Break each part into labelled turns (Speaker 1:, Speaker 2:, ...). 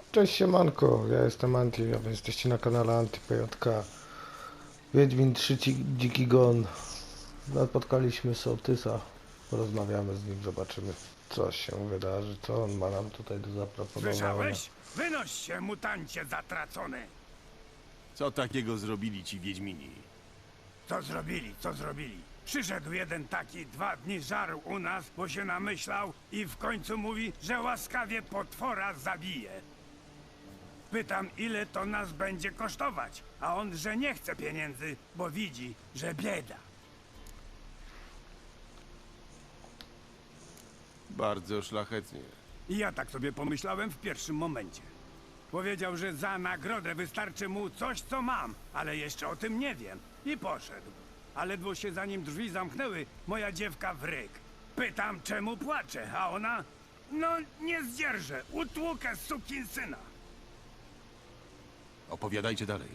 Speaker 1: Cześć siemanko, ja jestem Anti, a wy jesteście na kanale AntyPJK. Wiedźmin 3 Dziki Gon. Napotkaliśmy Sołtysa, porozmawiamy z nim, zobaczymy co się wydarzy, co on ma nam tutaj do zaproponowania.
Speaker 2: Słyszałeś? Wynoś się, mutancie zatracony!
Speaker 3: Co takiego zrobili ci Wiedźmini?
Speaker 2: Co zrobili, co zrobili? Przyszedł jeden taki, 2 dni żarł u nas, bo się namyślał i w końcu mówi, że łaskawie potwora zabije. Pytam, ile to nas będzie kosztować, a on, że nie chce pieniędzy, bo widzi, że bieda.
Speaker 3: Bardzo szlachetnie.
Speaker 2: I ja tak sobie pomyślałem w pierwszym momencie. Powiedział, że za nagrodę wystarczy mu coś, co mam, ale jeszcze o tym nie wiem. I poszedł. A ledwo się za nim drzwi zamknęły, moja dziewka w ryk. Pytam, czemu płacze, a ona... No, nie zdzierżę, utłukę sukinsyna.
Speaker 3: Opowiadajcie dalej.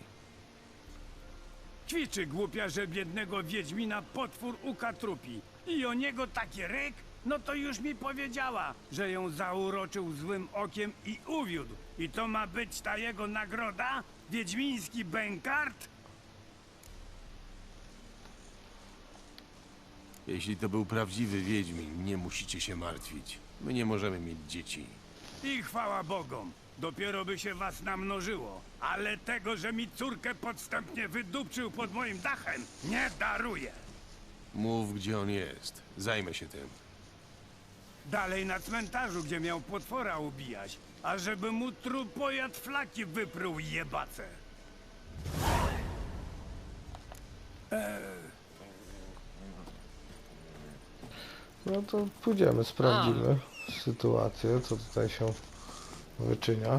Speaker 2: Ćwiczy głupia, że biednego wiedźmina potwór ukatrupi. I o niego taki ryk? No to już mi powiedziała, że ją zauroczył złym okiem i uwiódł. I to ma być ta jego nagroda? Wiedźmiński bękart?
Speaker 3: Jeśli to był prawdziwy Wiedźmin, nie musicie się martwić. My nie możemy mieć dzieci.
Speaker 2: I chwała Bogom. Dopiero by się was namnożyło. Ale tego, że mi córkę podstępnie wydupczył pod moim dachem, nie daruję.
Speaker 3: Mów, gdzie on jest. Zajmę się tym.
Speaker 2: Dalej na cmentarzu, gdzie miał potwora ubijać. A żeby mu trupojad flaki wypruł jebace.
Speaker 1: No to pójdziemy, sprawdzimy sytuację, co tutaj się wyczynia.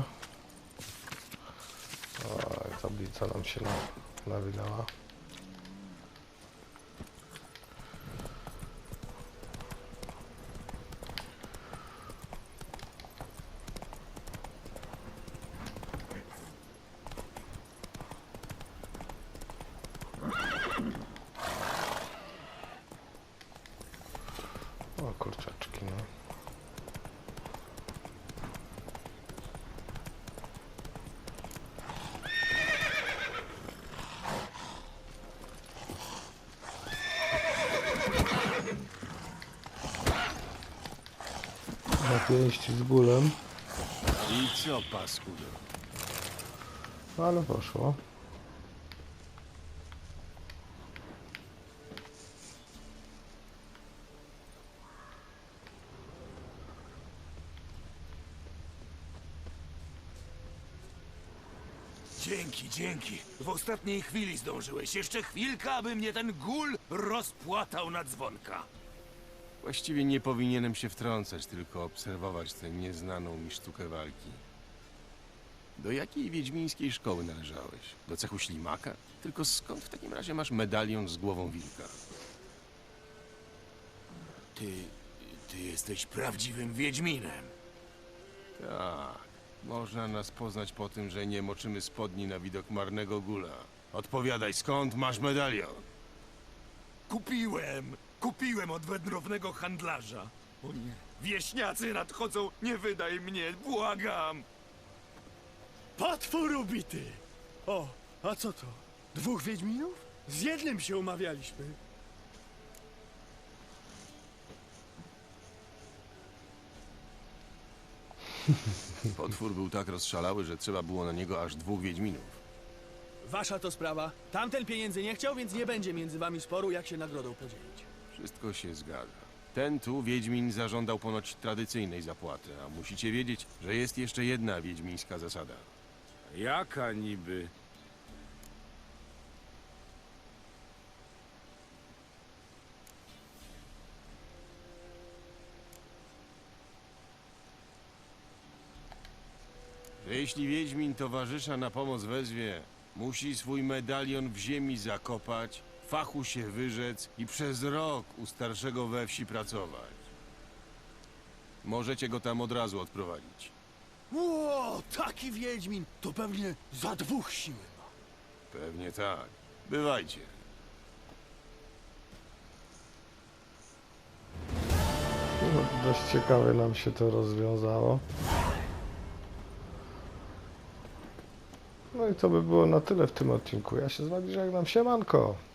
Speaker 1: Oj, tablica nam się nawinęła. O kurczaczki, no. Na pięści z bólem,
Speaker 3: I co, paskudo?
Speaker 1: ale poszło.
Speaker 4: Dzięki, dzięki. W ostatniej chwili zdążyłeś. Jeszcze chwilkę, aby mnie ten gul rozpłatał na dzwonka.
Speaker 3: Właściwie nie powinienem się wtrącać, tylko obserwować tę nieznaną mi sztukę walki. Do jakiej wiedźmińskiej szkoły należałeś? Do cechu ślimaka? Tylko skąd w takim razie masz medalion z głową wilka?
Speaker 4: Ty jesteś prawdziwym wiedźminem.
Speaker 3: Tak, można nas poznać po tym, że nie moczymy spodni na widok marnego gula. Odpowiadaj, skąd masz medalion?
Speaker 4: Kupiłem od wędrownego handlarza. O nie, wieśniacy nadchodzą, nie wydaj mnie, błagam.
Speaker 5: Potwór ubity! O, a co to? 2 wiedźminów? Z jednym się umawialiśmy.
Speaker 3: Potwór był tak rozszalały, że trzeba było na niego aż 2 wiedźminów.
Speaker 5: Wasza to sprawa. Tamten pieniędzy nie chciał, więc nie będzie między wami sporu, jak się nagrodą podzielić.
Speaker 3: Wszystko się zgadza. Ten tu wiedźmin zażądał ponoć tradycyjnej zapłaty, a musicie wiedzieć, że jest jeszcze jedna wiedźmińska zasada.
Speaker 2: Jaka niby?
Speaker 3: Że jeśli wiedźmin towarzysza na pomoc wezwie, musi swój medalion w ziemi zakopać, fachu się wyrzec i przez rok u starszego we wsi pracować. Możecie go tam od razu odprowadzić.
Speaker 5: Ło, taki wiedźmin! To pewnie za 2 siły ma.
Speaker 3: Pewnie tak. Bywajcie.
Speaker 1: No, dość ciekawie nam się to rozwiązało. No i to by było na tyle w tym odcinku. Ja się z wami żegnam. Siemanko!